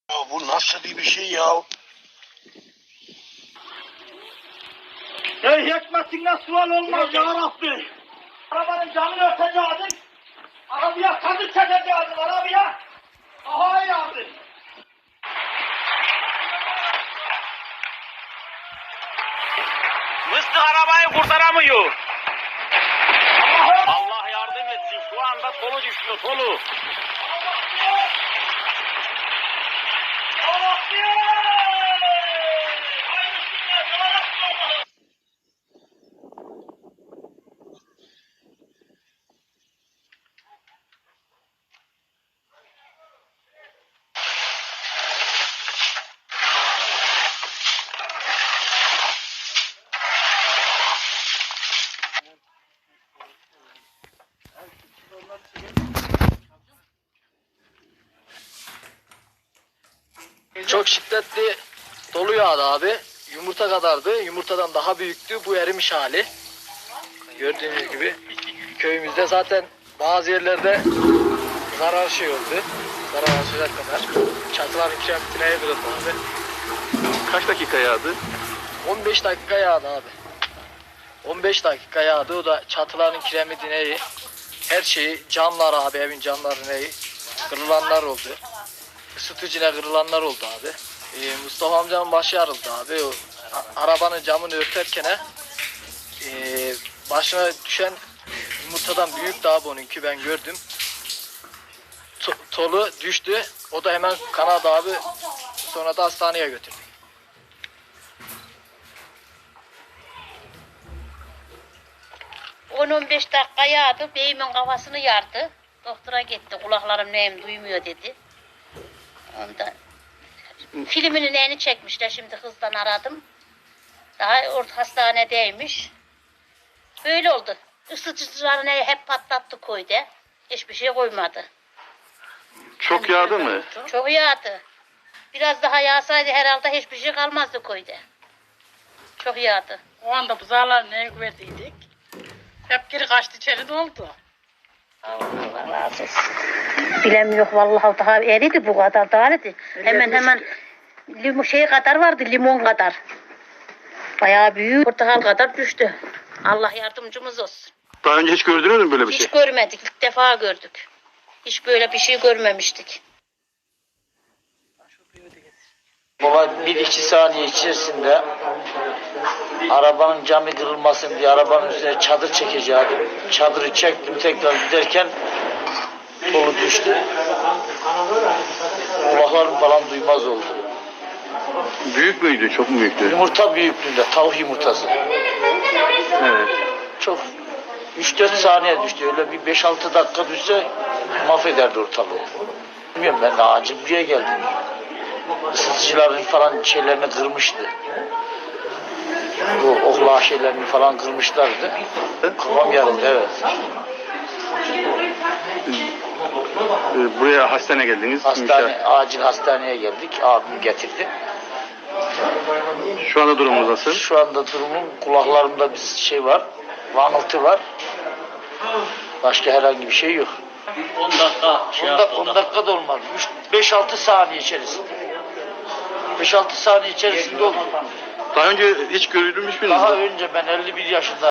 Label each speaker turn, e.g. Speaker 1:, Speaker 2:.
Speaker 1: Ya bu nasıl bir şey ya?
Speaker 2: Ey hikmetinden sual olmaz ya Rabbi. Arabanın camını örteceğiz. Arabaya kazık çekeceğiz arabaya. Aha yardım.
Speaker 3: Mıstık arabayı kurtaramıyor. Allah yardım etsin. Şu anda solu düşüyor, solu.
Speaker 4: Çok şiddetli dolu yağdı abi. Yumurta kadardı. Yumurtadan daha büyüktü. Bu erimiş hali. Gördüğünüz gibi köyümüzde zaten bazı yerlerde zarar şey oldu. Zarar açacak kadar. Çatıların kiremitine kırıldı abi.
Speaker 5: Kaç dakika yağdı?
Speaker 4: 15 dakika yağdı abi. 15 dakika yağdı. O da çatıların kiremitine, her şeyi, camlar abi, evin camlarına kırılanlar oldu. Isıtıcına kırılanlar oldu abi. Mustafa amcanın başı yarıldı abi. O arabanın camını örterken başına düşen yumurtadan büyüktü abi onunki, ben gördüm. Tolu düştü. O da hemen kanadı abi. Sonra da hastaneye götürdük.
Speaker 6: ...10-15 dakika yağdı, beyimin kafasını yardı. Doktora gitti, kulaklarım neyim duymuyor dedi. Ondan filminin neyini çekmişler, şimdi hızdan aradım. Daha orta hastanedeymiş. Böyle oldu. Isıtıcılarını hep patlattı koydu. Hiçbir şey koymadı.
Speaker 5: Çok yağdı mı?
Speaker 6: Çok yağdı. Biraz daha yağsaydı herhalde hiçbir şey kalmazdı koydu. Çok yağdı.
Speaker 7: O anda buzağlar neye güverdiydik? Hep geri kaçtı, içeri doldu.
Speaker 6: Allah razı olsun. Bilem yok vallahi, daha eridi bu kadar daha eridi. Hemen limon şey kadar vardı, limon kadar. Bayağı büyük, portakal kadar düştü. Allah yardımcımız olsun.
Speaker 5: Daha önce hiç gördünüz mü böyle bir şey?
Speaker 6: Hiç görmedik, ilk defa gördük. Hiç böyle bir şey görmemiştik.
Speaker 2: Baba 1-2 saniye içerisinde arabanın camı kırılmasın diye arabanın üstüne çadır çekeceğim. Çadırı çektim, tekrar giderken dolu düştü. Kulaklarım falan duymaz oldu.
Speaker 5: Büyük müydü? Çok mu büyüktü?
Speaker 2: Yumurta büyüklüğünde, tavuk yumurtası.
Speaker 5: Evet.
Speaker 2: Çok 3-4 saniye düştü. Öyle bir 5-6 dakika düşse mahvederdi ortalığı. Bilmiyorum, ben de acil buraya geldim. Isıtıcıların falan şeylerini kırmıştı. Bu okla şeylerini falan kırmışlardı. Kafam yarıldı, evet.
Speaker 5: Buraya hastane geldiniz.
Speaker 2: Acil hastaneye geldik. Abim getirdi.
Speaker 5: Şu anda durumunuz nasıl?
Speaker 2: Şu anda durumum, kulaklarımda bir şey var. Vanıltı var. Başka herhangi bir şey yok.
Speaker 3: 10 dakika
Speaker 2: 10 dakika da olmadı. 5-6 saniye içerisinde. 5-6 saniye içerisinde oldu.
Speaker 5: Daha önce hiç görülmüş müydünüz?
Speaker 2: Daha önce ben 51 yaşında